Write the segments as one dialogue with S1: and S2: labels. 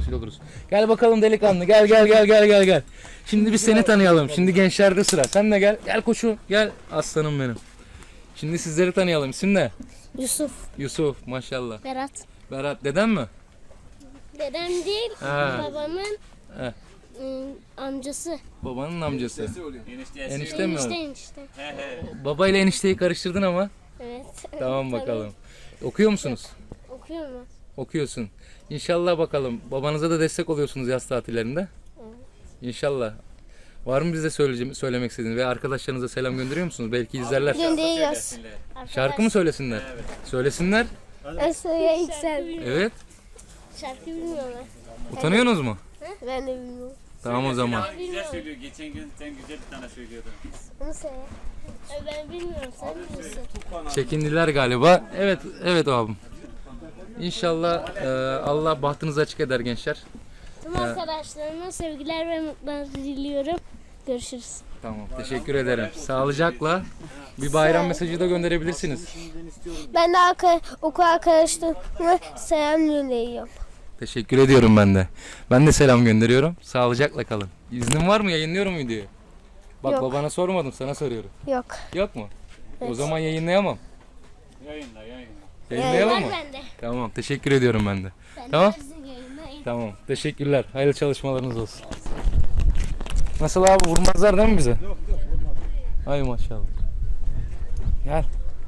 S1: vesile oluruz. Gel bakalım delikanlı, gel. Şimdi biz seni tanıyalım. Şimdi gençlerde sıra. Sen de gel. Gel koçum. Gel aslanım benim. Şimdi sizleri tanıyalım. İsim ne?
S2: Yusuf.
S1: Yusuf maşallah.
S2: Berat.
S1: Berat deden mi?
S2: Dedem değil,
S1: Ha.
S2: babamın
S1: He.
S2: amcası.
S1: Babanın amcası. Enişte mi?
S2: Enişte.
S1: Baba ile enişteyi karıştırdın ama.
S2: Evet.
S1: Tamam bakalım. Okuyor musunuz?
S2: Okuyor mu?
S1: Okuyorsun. İnşallah bakalım. Babanıza da destek oluyorsunuz yaz tatillerinde. İnşallah. Var mı bize söylemek istediğiniz ve arkadaşlarınıza selam gönderiyor musunuz? Belki izlerler.
S2: Gönderiyoruz.
S1: Şarkı mı söylesinler? Söylesinler.
S2: Esra'ya yüksel.
S1: Evet.
S2: Şarkı bilmiyorlar.
S1: Utanıyorsunuz mu?
S2: Ben de bilmiyorum.
S1: Tamam o zaman.
S3: Güzel söylüyor. Geçen gün sen güzel bir tane söylüyordun.
S2: Onu söyle. Ben bilmiyorum, sen biliyorsun.
S1: Çekindiler galiba. Evet abim. İnşallah Allah bahtınızı açık eder gençler.
S2: Tüm arkadaşlarıma sevgiler ve mutluluklar diliyorum. Görüşürüz.
S1: Tamam. Teşekkür ederim. Sağlıcakla bir bayram mesajı da gönderebilirsiniz.
S2: Ben de okul arkadaşlarıma selam gönderiyorum.
S1: Teşekkür ediyorum ben de. Ben de selam gönderiyorum. Sağlıcakla kalın. İznin var mı? Yayınlıyorum videoyu. Bak
S2: Yok.
S1: babana sormadım, sana soruyorum.
S2: Yok.
S1: Yok mu?
S2: Evet.
S1: O zaman yayınlayamam.
S3: Yayınla.
S1: Yayınlayalım mı?
S2: bende.
S1: Tamam. Teşekkür ediyorum ben de.
S2: Ben
S1: Tamam.
S2: de sizin yayınlayın.
S1: Tamam. Teşekkürler. Hayırlı çalışmalarınız olsun. Nasıl abi? Vurmazlar değil mi bize? Yok vurmaz. Ay maşallah. Gel.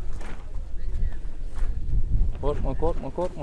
S1: Korkma.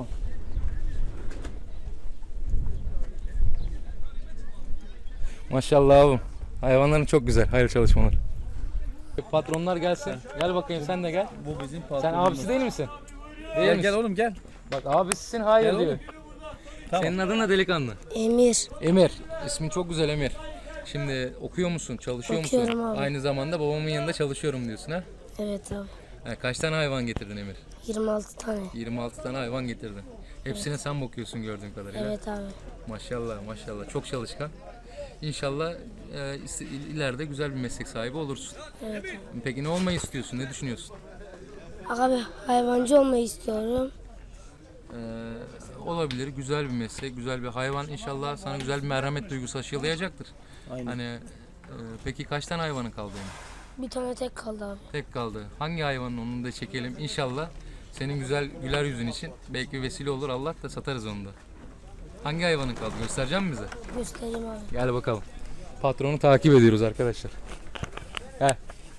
S1: Maşallah abim. Hayvanların çok güzel. Hayırlı çalışmalar. Patronlar gelsin. Gel bakayım sen de gel.
S4: Bu bizim
S1: Sen
S4: patronumuz.
S1: abisi değil misin? Değil
S4: Gel
S1: misin?
S4: gel oğlum gel.
S1: Bak abisisin hayır
S4: Gel
S1: diyor.
S4: oğlum. Tamam.
S1: Senin adın ne delikanlı?
S2: Emir.
S1: Emir. İsmin çok güzel Emir. Şimdi okuyor musun? Çalışıyor musun?
S2: Okuyorum abi.
S1: Aynı zamanda babamın yanında çalışıyorum diyorsun ha?
S2: Evet abi.
S1: Kaç tane hayvan getirdin Emir?
S2: 26 tane.
S1: 26 tane hayvan getirdin. Hepsine sen bakıyorsun gördüğüm kadarıyla.
S2: Evet abi.
S1: Maşallah. Çok çalışkan. İnşallah ileride güzel bir meslek sahibi olursun.
S2: Evet abi.
S1: Peki ne olmayı istiyorsun? Ne düşünüyorsun?
S2: Abi hayvancı olmayı istiyorum.
S1: Olabilir. Güzel bir meslek, güzel bir hayvan. İnşallah sana güzel bir merhamet duygusu aşılayacaktır.
S4: Aynen.
S1: Hani peki kaç tane hayvanın kaldı Emir?
S2: Bir tane tek kaldı abi.
S1: Tek kaldı. Hangi hayvanın onu da çekelim. İnşallah senin güzel güler yüzün için belki vesile olur. Allah da satarız onu da. Hangi hayvanın kaldı? Göstereceğim mi bize?
S2: Göstereyim abi.
S1: Gel bakalım. Patronu takip ediyoruz arkadaşlar. Gel.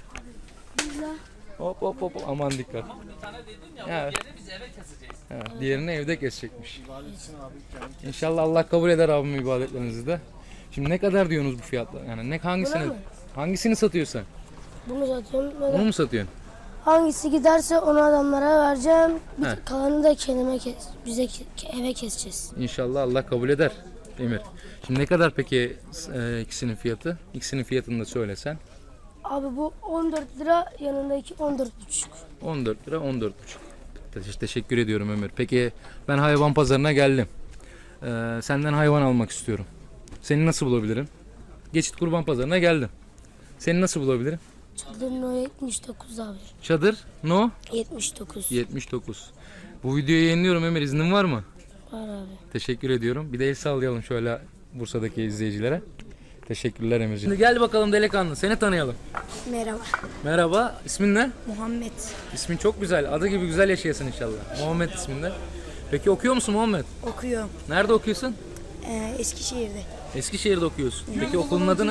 S1: Hop. Aman dikkat. Ya. Diğerini evde kesecekmiş. İnşallah Allah kabul eder abim ibadetlerinizi de. Şimdi ne kadar diyorsunuz bu fiyatla? Yani hangisini satıyorsun?
S2: Bunu satıyorum.
S1: Onu mu satıyorsun?
S2: Hangisi giderse onu adamlara vereceğim.
S1: He.
S2: Kalanını da eve keseceğiz.
S1: İnşallah Allah kabul eder Emir. Şimdi ne kadar peki ikisinin fiyatı? İkisinin fiyatını da söylesen.
S2: Abi bu 14 lira, yanındaki 14,5.
S1: 14 lira 14,5. Teşekkür ediyorum Ömer. Peki ben hayvan pazarına geldim. Senden hayvan almak istiyorum. Seni nasıl bulabilirim? Geçit Kurban Pazarına geldim. Seni nasıl bulabilirim?
S2: Çadırın o 79 abi.
S1: Çadır no
S2: 79.
S1: 79. Bu videoyu yayınlıyorum Ömer, iznin var mı?
S2: Var abi.
S1: Teşekkür ediyorum. Bir de el sallayalım şöyle Bursa'daki izleyicilere. Teşekkürler Emirciğim. Şimdi gel bakalım delikanlı, seni tanıyalım.
S2: Merhaba.
S1: Merhaba, ismin ne?
S2: Muhammed.
S1: İsmin çok güzel. Adı gibi güzel yaşayasın inşallah. Muhammed isminde. Peki okuyor musun Muhammed?
S5: Okuyorum.
S1: Nerede okuyorsun?
S5: Eskişehir'de.
S1: Eskişehir'de okuyorsun. Peki okulun adı ne?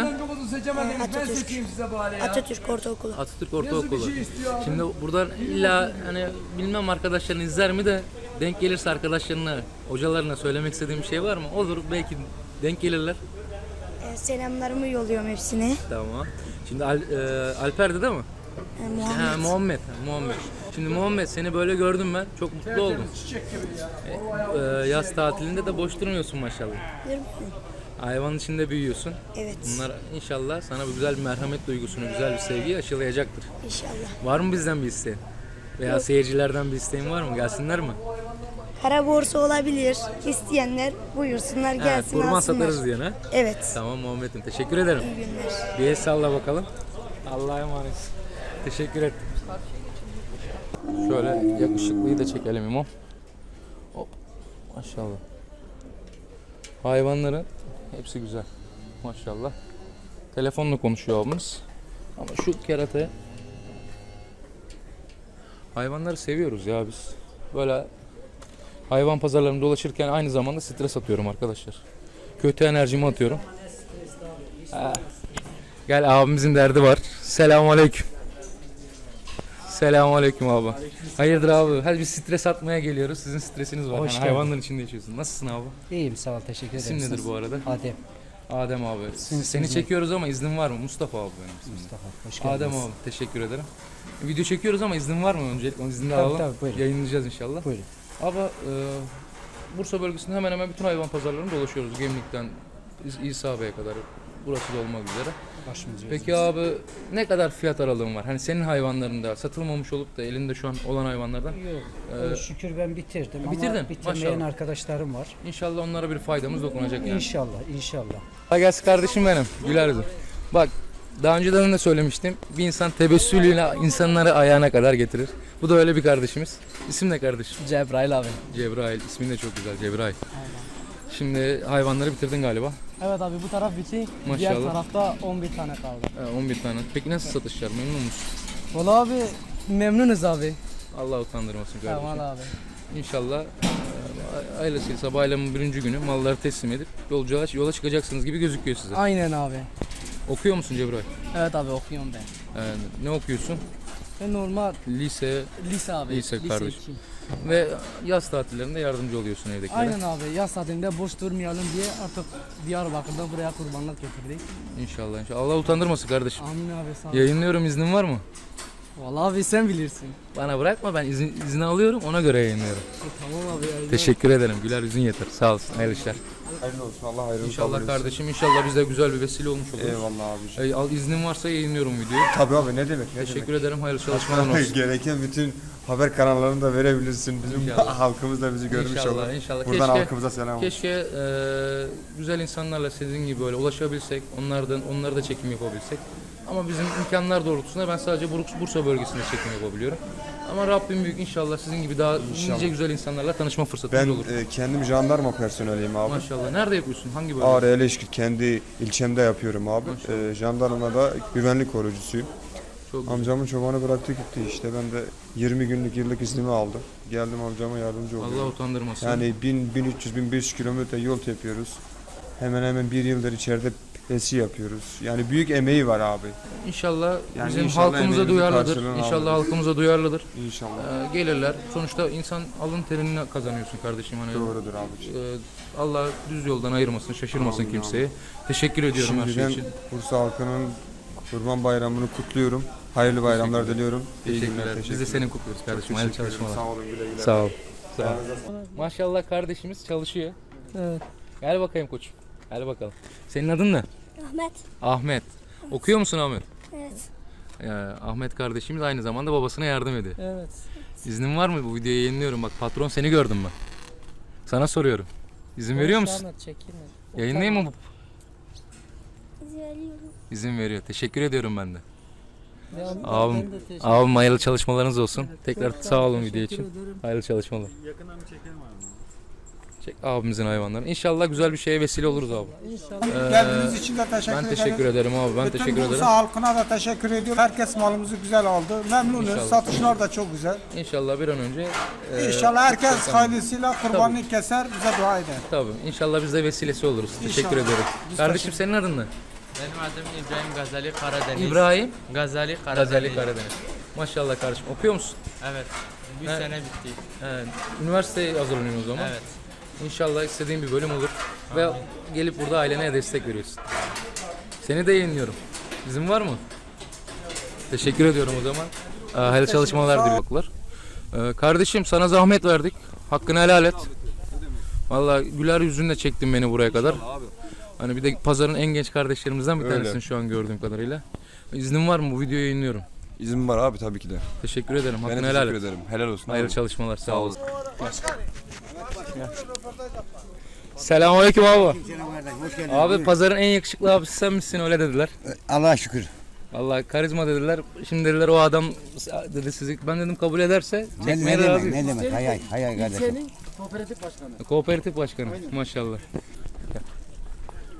S5: Atatürk Ortaokulu.
S1: Atatürk Ortaokulu. Şimdi buradan illa hani bilmem arkadaşların izler mi de denk gelirse arkadaşlarına, hocalarına söylemek istediğim bir şey var mı? Olur, belki denk gelirler.
S5: Selamlarımı yolluyorum hepsine.
S1: Tamam. Şimdi Alper'de değil mi?
S5: Muhammed.
S1: Muhammed. Şimdi Muhammed, seni böyle gördüm ben. Çok mutlu oldum. Yaz tatilinde de boş durmuyorsun maşallah. Hayvanın içinde büyüyorsun.
S5: Evet.
S1: Bunlar inşallah sana bir güzel bir merhamet duygusunu, güzel bir sevgiyi aşılayacaktır.
S5: İnşallah.
S1: Var mı bizden bir isteğin? Veya seyircilerden bir isteğin var mı? Gelsinler mi?
S5: Kara borsa olabilir. İsteyenler buyursunlar gelsin
S1: Kurban
S5: alsınlar.
S1: satarız diye ne?
S5: Evet.
S1: Tamam Muhammed'im, teşekkür ederim.
S5: İyi günler.
S1: Bir el salla bakalım. Allah'a emanet. Teşekkür ederim. Şöyle yakışıklıyı da çekelim imam. Hop. Maşallah. Hayvanların hepsi güzel. Maşallah. Telefonla konuşuyor abimiz. Ama şu keratayı, hayvanları seviyoruz ya biz. Böyle hayvan pazarlarında dolaşırken aynı zamanda stres atıyorum arkadaşlar. Kötü enerjimi atıyorum. Ha. Gel, abimizin derdi var. Selamünaleyküm. Selamünaleyküm abi. Hayırdır abi? Hadi bir stres atmaya geliyoruz. Sizin stresiniz var.
S4: Hoş
S1: Yani
S4: geldin.
S1: hayvanların içinde yaşıyorsun. Nasılsın abi?
S4: İyiyim sağ ol teşekkür ederim.
S1: İsim nedir bu arada?
S4: Adem.
S1: Adem abi. Seni çekiyoruz ama iznin var mı? Mustafa abi benim ismim.
S4: Mustafa hoş geldiniz.
S1: Adem abi teşekkür ederim. Video çekiyoruz ama iznin var mı öncelikle? Onun iznini
S4: Tabii,
S1: alalım.
S4: tabii, buyurun.
S1: Yayınlayacağız inşallah.
S4: Buyurun.
S1: Ama Bursa bölgesinde hemen hemen bütün hayvan pazarlarını dolaşıyoruz. Gemlik'ten İsa Bey'e kadar. Burası da olmak üzere.
S4: Başımız
S1: Peki abi ne kadar fiyat aralığın var? Hani senin hayvanlarında satılmamış olup da elinde şu an olan hayvanlardan
S4: Yok.
S1: Ee,
S4: Şükür ben bitirdim
S1: bitirdin,
S4: ama bitirmeyen
S1: maşallah.
S4: arkadaşlarım var.
S1: İnşallah onlara bir faydamız dokunacak yani.
S4: İnşallah.
S1: Kolay gelsin kardeşim benim. Güler yüzüm. Bak, daha önceden de söylemiştim. Bir insan tebessümüyle insanları ayağına kadar getirir. Bu da öyle bir kardeşimiz. İsim ne kardeşim?
S6: Cebrail abi.
S1: Cebrail. İsmin de çok güzel, Cebrail. Şimdi hayvanları bitirdin galiba.
S6: Evet abi bu taraf bitti. Diğer
S1: Maşallah.
S6: tarafta 11 tane kaldı.
S1: 11 tane. Peki nasıl satışlar? Memnun musun?
S6: Valla abi memnunuz abi.
S1: Allah utandırmasın kardeşim.
S6: Tamam abi.
S1: İnşallah ailesiyle bayramın birinci günü malları teslim edip yola çıkacaksınız gibi gözüküyor size.
S6: Aynen abi.
S1: Okuyor musun Cebrail?
S6: Evet abi okuyorum ben.
S1: Ne okuyorsun?
S6: Ben normal
S1: Lise
S6: lise abi.
S1: Lise kardeşim.
S6: 2.
S1: ve yaz tatillerinde yardımcı oluyorsun evdekilere.
S6: Aynen abi. Yaz saatinde boş durmayalım diye artık Diyarbakır'da buraya kurbanlık getirdik.
S1: İnşallah. Allah utandırmasın kardeşim.
S6: Amin abi sağ ol.
S1: Yayınlıyorum, iznin var mı?
S6: Valla abi sen bilirsin.
S1: Bana bırakma, ben izin alıyorum, ona göre yayınlıyorum.
S6: Tamam abi. Ya.
S1: Teşekkür ederim. Güler yüzün yeter. Sağ olasın. Hayırlı işler.
S7: Hayırlı olsun. Allah hayrını
S1: İnşallah
S7: kabul etsin.
S1: kardeşim. İnşallah bize güzel bir vesile olmuş olur.
S7: Eyvallah abiciğim.
S1: Al, iznin varsa yayınlıyorum videoyu.
S7: Tabii abi ne demek? Ne
S1: Teşekkür
S7: demek?
S1: ederim. Hayırlı çalışmalar olsun.
S7: Gereken bütün haber kanallarını da verebilirsin. Bizim
S1: İnşallah.
S7: halkımız da bizi görmüş olur.
S1: İnşallah.
S7: Buradan halkımıza selam olsun.
S1: Keşke güzel insanlarla sizin gibi böyle ulaşabilsek, onları da çekim yapabilsek. Ama bizim imkanlar doğrultusunda ben sadece Bursa bölgesinde çekim yapabiliyorum. Ama Rabbim büyük, inşallah sizin gibi daha nice güzel insanlarla tanışma fırsatımız
S7: Ben
S1: olur.
S7: kendim jandarma personeliyim abi.
S1: Maşallah. Nerede yapıyorsun? Hangi bölge?
S7: Ağrı Eleşkir kendi ilçemde yapıyorum abi. Jandarmada güvenlik koruyucusuyum.
S1: Çok güzel.
S7: Amcamın çobanı bıraktı gitti işte. Ben de 20 günlük yıllık iznimi aldım. Geldim amcama yardımcı oldum.
S1: Allah utandırmasın.
S7: Yani 1300-1500 kilometre yol tepiyoruz. Hemen hemen bir yıldır içeride pesi yapıyoruz. Yani büyük emeği var abi.
S1: İnşallah
S7: Yani
S1: bizim
S7: inşallah
S1: halkımıza
S7: emeğimizin
S1: duyarlıdır.
S7: karşılığını
S1: İnşallah
S7: alırız.
S1: halkımıza duyarlıdır.
S7: İnşallah.
S1: Gelirler. Sonuçta insan alın terini kazanıyorsun kardeşim. Hani,
S7: Doğrudur abiciğim.
S1: Allah düz yoldan ayırmasın, şaşırmasın
S7: Amin,
S1: kimseyi. Teşekkür ediyorum her şey
S7: Şimdiden
S1: için.
S7: Bursa halkının Kurban Bayramı'nı kutluyorum. Hayırlı bayramlar diliyorum. İyi günler.
S1: Teşekkürler. Biz de senin kutluyoruz kardeşim. Hayırlı
S7: Teşekkür ederim.
S1: çalışmalar.
S7: Sağ olun, güle güle.
S1: Sağ ol. Sağ ol. Maşallah kardeşimiz çalışıyor.
S6: Evet.
S1: Gel bakayım koçum. Gel bakalım. Senin adın ne?
S2: Ahmet.
S1: Ahmet. Okuyor musun Ahmet?
S2: Evet.
S1: Ahmet kardeşimiz aynı zamanda babasına yardım ediyor.
S6: Evet.
S1: İznin var mı? Bu videoyu yayınlıyorum. Bak, patron seni gördüm ben. Sana soruyorum. İzin veriyor musun?
S6: Çekilme.
S1: Yayınlayayım mı?
S2: İzliyorum.
S1: İzin veriyor. Teşekkür ediyorum ben de.
S6: Ben
S1: Abim,
S6: de teşekkür
S1: abim hayırlı çalışmalarınız olsun. Tekrar
S6: Çok
S1: sağ olun
S6: teşekkür
S1: video için.
S6: ederim.
S1: Hayırlı çalışmalar.
S3: Yakından bir çekelim abi.
S1: Çek abimizin hayvanlarını. İnşallah güzel bir şeye vesile oluruz abi.
S6: İnşallah.
S8: Geldiğiniz için de teşekkür
S1: Ben
S8: ederim.
S1: teşekkür ederim abi. Ben
S8: Bütün
S1: teşekkür ederim.
S8: Bursa halkına da teşekkür ediyorum. Herkes malımızı güzel aldı. Memnunuz.
S1: İnşallah.
S8: Satışlar da çok güzel.
S1: İnşallah bir an önce
S8: İnşallah herkes hayırlısıyla kurbanlık keser, bize dua eder.
S1: tabii. İnşallah biz de vesilesi oluruz. Teşekkür
S8: İnşallah.
S1: ederim.
S8: Biz
S1: Kardeşim senin adın ne?
S9: Benim adım İbrahim Gazali Karadeniz.
S1: İbrahim
S9: Gazali Karadeniz.
S1: Gazali Karadeniz. Maşallah kardeşim. Okuyor musun?
S9: Evet. Bir
S1: Evet.
S9: sene bitti.
S1: Üniversiteye hazırlanıyorsun o zaman.
S9: Evet.
S1: İnşallah istediğin bir bölüm olur. Ve gelip burada ailene destek veriyorsun. Seni de yayınlıyorum. İzin var mı? Teşekkür ediyorum o zaman. Hayırlı çalışmalar diliyorlar. Kardeşim sana zahmet verdik. Hakkını helal et. Vallahi güler yüzünle çektin beni buraya kadar. Hani bir de pazarın en genç kardeşlerimizden bir
S7: Öyle.
S1: tanesin şu an gördüğüm kadarıyla. İznin var mı? Bu videoyu yayınlıyorum.
S7: İzin var abi tabii ki de.
S1: Teşekkür ederim.
S7: Ben
S1: Hakkını
S7: de
S1: helal
S7: teşekkür
S1: et.
S7: ederim. Helal olsun.
S1: Hayırlı
S7: abi.
S1: çalışmalar. Sağ olun.
S8: Hoş
S1: Selamünaleyküm abi. Abi pazarın en yakışıklı abisi sen misin, öyle dediler.
S10: Allah'a şükür.
S1: Vallahi karizma dediler. Şimdi dediler o adam dedi sizi. Ben dedim kabul ederse
S10: Ne
S1: çekmeye de
S10: demek,
S1: razıyım.
S10: ne demek? Hay hay, hay hay kardeşim.
S6: Senin kooperatif başkanı.
S1: Kooperatif başkanı maşallah. Gel.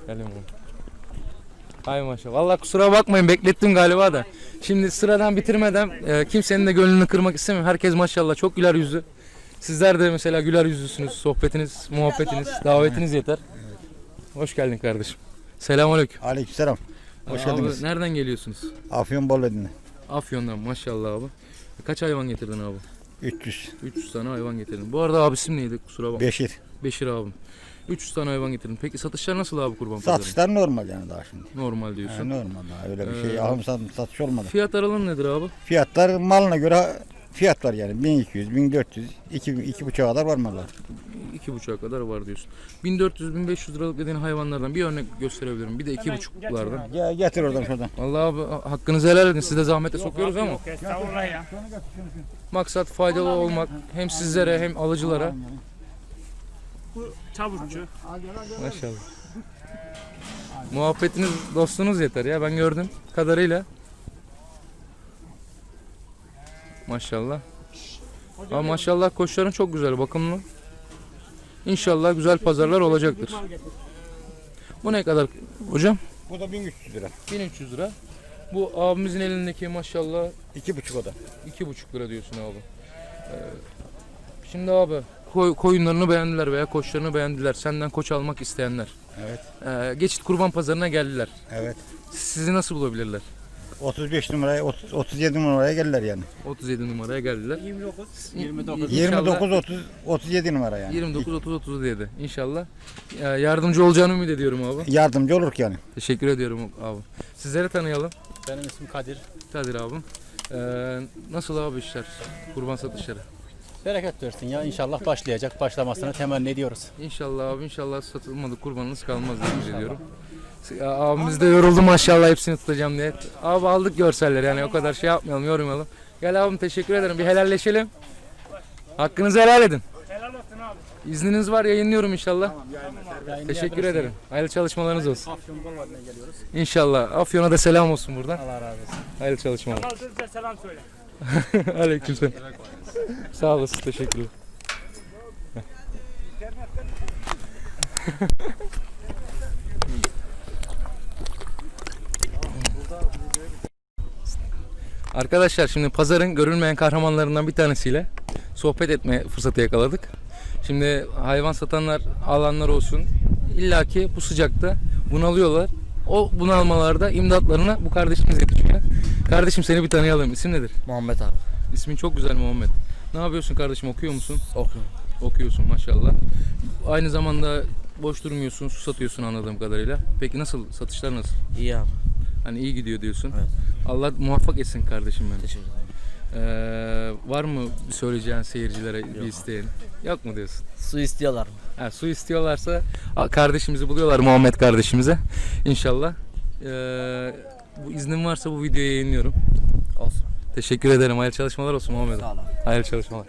S1: Gelin oğlum. Hay maşallah. Vallahi kusura bakmayın beklettim galiba da. Şimdi sıradan bitirmeden kimsenin de gönlünü kırmak istemiyorum. Herkes maşallah çok güler yüzlü. Sizler de mesela güler yüzlüsünüz. Sohbetiniz, muhabbetiniz, davetiniz yeter. Hoş geldin kardeşim. Selamünaleyküm.
S10: Aleykümselam. Hoş geldiniz.
S1: Abi, nereden geliyorsunuz?
S10: Afyon Bolvedi'ne.
S1: Afyon'dan maşallah abi. Kaç hayvan getirdin abi?
S10: 300.
S1: 300 tane hayvan getirdin. Bu arada abi isim neydi? Kusura bakma.
S10: Beşir.
S1: Beşir abim. 300 tane hayvan getirdin. Peki satışlar nasıl abi kurban pazarında?
S10: Satışlar normal yani daha şimdi.
S1: Normal diyorsun.
S10: Yani normal daha öyle bir şey alım satış olmadı.
S1: Fiyat aralığı nedir abi?
S10: Fiyatlar malına göre fiyat var yani 1200, 1400, 2,5'a kadar var mallar.
S1: 2,5'a kadar var diyorsun. 1400-1500 liralık dediğin hayvanlardan bir örnek gösterebilirim. Bir de 2,5'lardan.
S10: Getir oradan şuradan.
S1: Vallahi abi hakkınızı helal edin. Siz de zahmete sokuyoruz ama.
S3: Estağfurullah ya.
S1: Maksat faydalı olmak hem sizlere hem alıcılara.
S3: Bu çavuşçu.
S1: Maşallah. Muhabbetiniz, dostunuz yeter ya. Ben gördüm kadarıyla. Maşallah. Ama maşallah koçların çok güzel, bakımlı. İnşallah güzel pazarlar olacaktır. Bu ne kadar hocam?
S10: Bu da 1300 lira.
S1: 1300 lira. Bu abimizin elindeki maşallah
S10: 2,5 o da.
S1: 2,5 lira diyorsun abi. Şimdi abi koyunlarını beğendiler veya koçlarını beğendiler. Senden koç almak isteyenler.
S10: Evet.
S1: Geçit kurban pazarına geldiler.
S10: Evet.
S1: Sizi nasıl bulabilirler?
S10: 35 numaraya 37 numaraya gelirler yani.
S1: 37 numaraya geldiler.
S3: 29.
S10: 29 30 37 numara yani.
S1: 29 30 37 İnşallah yardımcı olacağını ümit ediyorum abi.
S10: Yardımcı oluruk yani.
S1: Teşekkür ediyorum abi. Sizleri tanıyalım.
S3: Benim ismim Kadir.
S1: Kadir abim. Nasıl abi işler? Kurban satışları.
S3: Bereket versin ya. İnşallah başlayacak. Başlamasını temenni ediyoruz.
S1: İnşallah abi, inşallah satılmadı kurbanınız kalmaz diye ümit ediyorum. Abimiz de yoruldu maşallah hepsini tutacağım diye. Abi aldık görseller yani o kadar şey yapmayalım, yormayalım. Gel abim, teşekkür ederim. Bir helalleşelim. Hakkınızı helal edin.
S3: Helal olsun abi.
S1: İzniniz var, yayınlıyorum inşallah. Teşekkür ederim. Hayırlı çalışmalarınız olsun.
S3: Afyon Bolvedi'ne geliyoruz.
S1: İnşallah. Afyon'a da selam olsun buradan.
S3: Allah razı olsun.
S1: Hayırlı çalışmalar.
S3: Size selam söyle.
S1: Aleykümselam. Sağ olasın, teşekkürler. Arkadaşlar şimdi pazarın görülmeyen kahramanlarından bir tanesiyle sohbet etme fırsatı yakaladık. Şimdi hayvan satanlar, alanlar olsun illaki bu sıcakta bunalıyorlar. O bunalmalarda imdatlarına bu kardeşimiz yetişiyor. Kardeşim seni bir tanıyalım. İsim nedir?
S9: Muhammed abi.
S1: İsmin çok güzel Muhammed. Ne yapıyorsun kardeşim? Okuyor musun?
S9: Okuyorum.
S1: Okuyorsun maşallah. Aynı zamanda boş durmuyorsun, su satıyorsun anladığım kadarıyla. Peki nasıl? Satışlar nasıl?
S9: İyi abi.
S1: Hani iyi gidiyor diyorsun.
S9: Evet.
S1: Allah muvaffak etsin kardeşim benim.
S9: Teşekkür ederim.
S1: Var mı söyleyeceğin seyircilere bir isteğin? Yok mu diyorsun?
S9: Su istiyorlar mı?
S1: Ha, su istiyorlarsa kardeşimizi buluyorlar, Muhammed kardeşimize. İnşallah. Bu iznin varsa bu videoyu yayınlıyorum.
S9: Olsun.
S1: Teşekkür ederim. Hayırlı çalışmalar olsun Muhammed.
S9: Sağ ol abi.
S1: Hayırlı çalışmalar.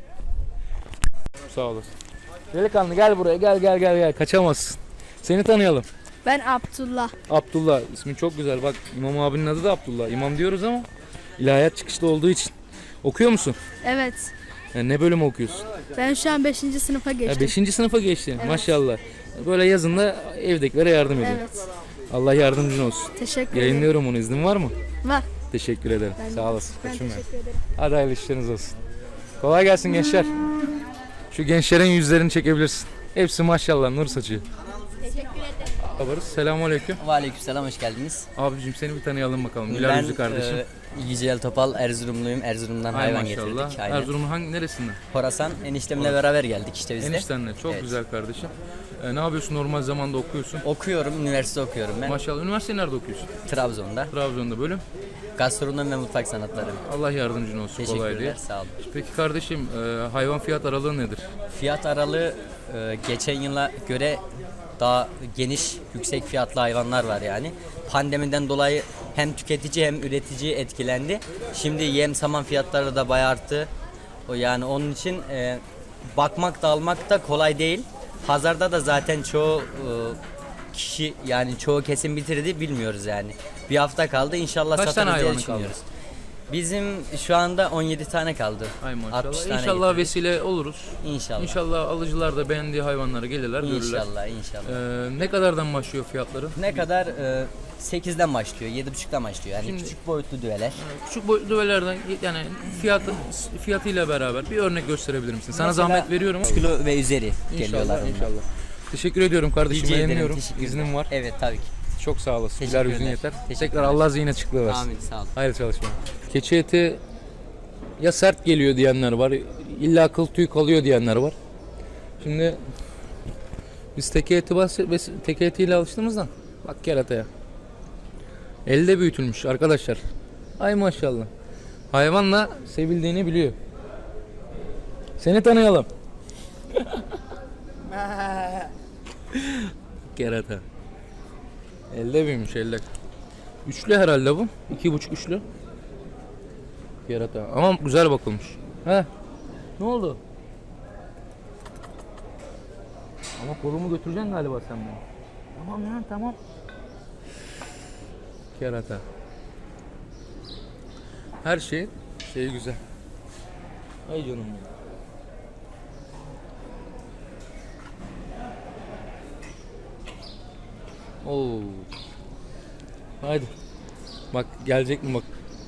S1: Sağ olasın. Delikanlı gel buraya, gel. Kaçamazsın. Seni tanıyalım.
S2: Ben Abdullah.
S1: Abdullah. İsmin çok güzel. Bak İmam abinin adı da Abdullah. İmam diyoruz ama ilahiyat çıkışlı olduğu için. Okuyor musun?
S2: Evet.
S1: Yani ne bölümü okuyorsun?
S2: Ben şu an 5. sınıfa geçtim.
S1: 5. sınıfa geçtin. Maşallah. Böyle yazında evdekilere yardım ediyor.
S2: Evet.
S1: Allah yardımcın olsun.
S2: Teşekkür ederim.
S1: Yayınlıyorum onu. İznin var mı?
S2: Var.
S1: Teşekkür ederim.
S2: Ben de-
S1: Sağ olasın.
S2: Ben
S1: Koçum benim.
S2: teşekkür ederim.
S1: Hadi hayırlı işleriniz olsun. Kolay gelsin gençler. Şu gençlerin yüzlerini çekebilirsin. Hepsi maşallah nur saçıyor.
S2: Teşekkür ederim.
S1: Haberiniz. Selamünaleyküm.
S11: Aleykümselam, hoş geldiniz.
S1: Abicim seni bir tanıyalım bakalım. Güler yüzlü kardeşim.
S11: Yücel Topal, Erzurumluyum. Erzurum'dan
S1: Ay
S11: hayvan
S1: maşallah.
S11: getirdik. Aynen.
S1: Erzurum'un hangi neresinden?
S11: Horasan, eniştemle beraber geldik işte biz de.
S1: Eniştenle. Çok
S11: Evet.
S1: güzel kardeşim. Ne yapıyorsun, normal zamanda okuyorsun?
S11: Okuyorum, üniversite okuyorum ben.
S1: Maşallah. Üniversite nerede okuyorsun?
S11: Trabzon'da.
S1: Trabzon'da bölüm.
S11: Gastronomi ve mutfak sanatları.
S1: Allah yardımcın olsun. Kolay
S11: Teşekkürler,
S1: değil.
S11: sağ olun.
S1: Peki kardeşim hayvan fiyat aralığı nedir?
S11: Fiyat aralığı geçen yıla göre daha geniş, yüksek fiyatlı hayvanlar var yani. Pandemiden dolayı hem tüketici hem üretici etkilendi. Şimdi yem saman fiyatları da bayağı arttı. O yani onun için bakmak da almak da kolay değil. Pazarda da zaten çoğu kişi yani çoğu kesim bitirdi bilmiyoruz yani. Bir hafta kaldı inşallah
S1: Kaç tane
S11: satarız diye
S1: hayvanın
S11: düşünüyoruz. Bizim şu anda 17 tane kaldı.
S1: Ay
S11: 60
S1: maşallah.
S11: tane
S1: İnşallah
S11: getirdik.
S1: vesile oluruz.
S11: İnşallah.
S1: İnşallah alıcılar da beğendiği hayvanları gelirler, görürler.
S11: İnşallah, inşallah.
S1: Ne kadardan başlıyor fiyatları?
S11: Ne kadar? 8'den başlıyor, 7,5'dan başlıyor. Yani
S1: Şimdi-
S11: küçük boyutlu düveler.
S1: Küçük boyutlu düvelerden yani fiyatıyla beraber bir örnek gösterebilir misin? Sana
S11: Mesela
S1: zahmet veriyorum ama.
S11: 3 kilo ve üzeri geliyorlar.
S1: İnşallah,
S11: bunlar.
S1: inşallah. Teşekkür ediyorum kardeşim.
S11: Rica ederim,
S1: Beğeniyorum.
S11: teşekkürler.
S1: İznim var.
S11: Evet, tabii ki.
S1: Çok sağ olasın. Güler
S11: Teşekkürler.
S1: yüzün yeter.
S11: Teşekkürler.
S1: Tekrar Allah zihin açıklığı versin.
S11: Amin, sağ olun.
S1: Hayırlı çalışma. Keçi eti ya sert geliyor diyenler var. İlla kıl tüy kalıyor diyenler var. Şimdi biz teke etiyle alıştığımızdan bak kerataya. Elde büyütülmüş arkadaşlar. Ay maşallah. Hayvanla sevildiğini biliyor. Seni tanıyalım. Kerata. Elde büyümüş elde. Üçlü herhalde bu. 2,5 üçlü. Kerata. Ama güzel bakılmış. He. Ne oldu? Ama kolumu götüreceksin galiba sen beni. Tamam ya tamam. Kerata. Her şey güzel. Ay canım benim. Oo. Haydi. Bak gelecek mi bak.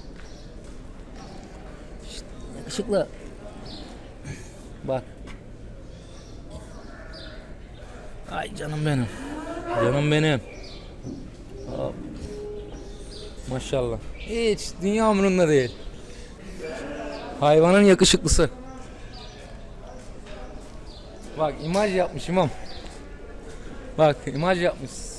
S1: Şşt, yakışıklı. Bak. Ay canım benim. Canım benim. Hop. Maşallah. Hiç dünya umurunda değil. Hayvanın yakışıklısı. Bak imaj yapmış imam. Bak imaj yapmış.